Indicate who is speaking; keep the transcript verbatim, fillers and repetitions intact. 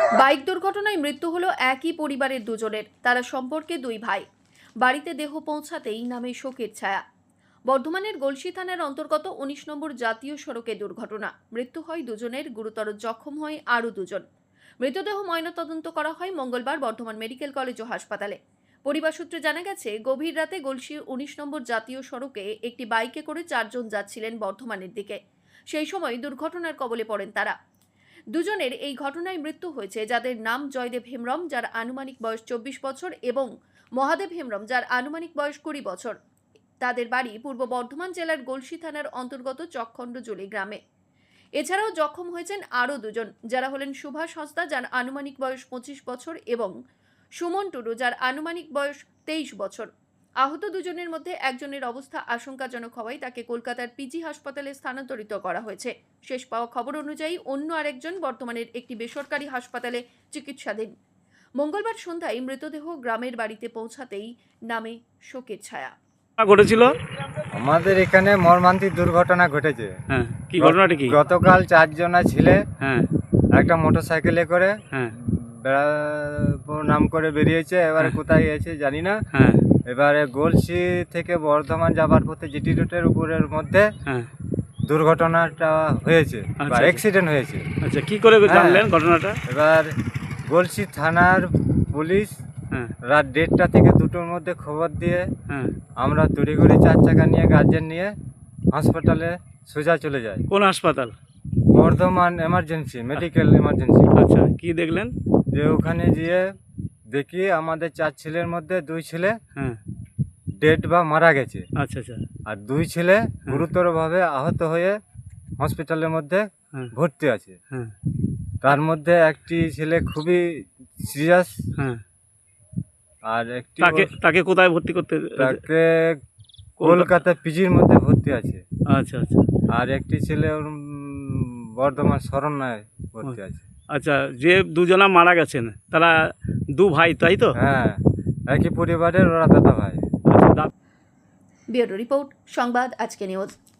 Speaker 1: Bike দুর্ঘটনায় মৃত্যু হলো একই পরিবারের দুজনের। তারা সম্পর্কে দুই ভাই। বাড়িতে দেহ পৌঁছাতেই নামে শোকের ছায়া। বর্ধমানের গলসি থানার অন্তর্গত উনিশ নম্বর জাতীয় সড়কে দুর্ঘটনা। মৃত্যু হয় দুজনের, গুরুতর জখম হয় আরও দুজন। মৃতদেহ ময়নাতদন্ত করা হয় মঙ্গলবার বর্ধমান মেডিকেল কলেজ ও হাসপাতালে। পরিবার সূত্রে জানা গেছে, গভীর রাতে গলসির উনিশ নম্বর জাতীয় সড়কে একটি বাইকে করে চারজন যাচ্ছিলেন বর্ধমানের দিকে। সেই সময় দুর্ঘটনার কবলে পড়েন তারা। দুজনের এই ঘটনায় মৃত্যু হয়েছে, যাদের নাম জয়দেব হেমব্রম, যার আনুমানিক বয়স চব্বিশ বছর, এবং মহাদেব হেমব্রম, যার আনুমানিক বয়স কুড়ি বছর। তাদের বাড়ি পূর্ব বর্ধমান জেলার গলসি থানার অন্তর্গত চকখণ্ডজুলি গ্রামে। এছাড়াও জখম হয়েছেন আরও দুজন, যারা হলেন সুভাষ হাঁসদা, যার আনুমানিক বয়স পঁচিশ বছর, এবং সুমন টুডু, যার আনুমানিক বয়স তেইশ বছর। আহত দুজনের মধ্যে একজনের অবস্থা আশঙ্কাজনক হওয়ায় তাকে কলকাতার পিজি হাসপাতালে স্থানান্তরিত করা হয়েছে। শেষ পাওয়া খবর অনুযায়ী অন্য আরেকজন বর্তমানের একটি বেসরকারি হাসপাতালে চিকিৎসাধীন। মঙ্গলবার সন্ধ্যায় মৃতদেহ গ্রামের বাড়িতে পৌঁছাতেই নামে শোকের ছায়া।
Speaker 2: ঘটেছিল
Speaker 3: আমাদের এখানে মর্মান্তিক দুর্ঘটনা ঘটেছে।
Speaker 2: হ্যাঁ, কি ঘটনাটা কি?
Speaker 3: গতকাল চারজনা ছিলে
Speaker 2: হ্যাঁ
Speaker 3: একটা মোটর সাইকেলে করে
Speaker 2: হ্যাঁ
Speaker 3: বেড়াবো নাম করে বেরিয়েছে। এবারে কোথায় গেছে জানি না।
Speaker 2: হ্যাঁ
Speaker 3: এবারে গলসি থেকে বর্ধমান যাবার পথে জিটি রোডের উপরের মধ্যে
Speaker 2: হ্যাঁ
Speaker 3: দুর্ঘটনাটা হয়েছে বা
Speaker 2: আচ্ছা।
Speaker 3: অ্যাক্সিডেন্ট হয়েছে।
Speaker 2: আচ্ছা, কি করে
Speaker 3: হ্যাঁ।
Speaker 2: জানলেন ঘটনাটা?
Speaker 3: এবার গলসি থানার পুলিশ
Speaker 2: হ্যাঁ
Speaker 3: রাত দেড়টা থেকে দুটোর মধ্যে খবর দিয়ে
Speaker 2: হ্যাঁ
Speaker 3: আমরা তড়িঘড়ি চার চাকা নিয়ে গার্জেন নিয়ে হাসপাতালে সোজা চলে যাই।
Speaker 2: কোন হাসপাতাল?
Speaker 3: Bardhaman emergency medical emergency.
Speaker 2: আচ্ছা, কি দেখলেন?
Speaker 3: যে ওখানে গিয়ে দেখি আমাদের চার ছেলের মধ্যে দুই ছেলে
Speaker 2: হ্যাঁ
Speaker 3: ডেড বা মারা গেছে,
Speaker 2: আচ্ছা আচ্ছা
Speaker 3: আর দুই ছেলে গুরুতরভাবে আহত হয়ে হসপিটালের মধ্যে
Speaker 2: হ্যাঁ
Speaker 3: ভর্তি আছে।
Speaker 2: হ্যাঁ
Speaker 3: তার মধ্যে একটি ছেলে খুবই সিরিয়াস,
Speaker 2: হ্যাঁ
Speaker 3: আর একটি
Speaker 2: তাকে তাকে কোথায় ভর্তি করতে?
Speaker 3: তাকে কলকাতা পিজির মধ্যে ভর্তি আছে।
Speaker 2: আচ্ছা আচ্ছা
Speaker 3: আর একটি ছেলে ওর, উম, বর্ধমান শরণায় ভর্তি আছে।
Speaker 2: আচ্ছা, যে দুজনা মারা গেছেন তারা দু ভাই, তাই তো?
Speaker 3: হ্যাঁ, একই পরিবারের ওরা দাদা ভাই।
Speaker 2: আচ্ছা, দা-
Speaker 1: ব্যুরো রিপোর্ট, সংবাদ আজকে নিউজ।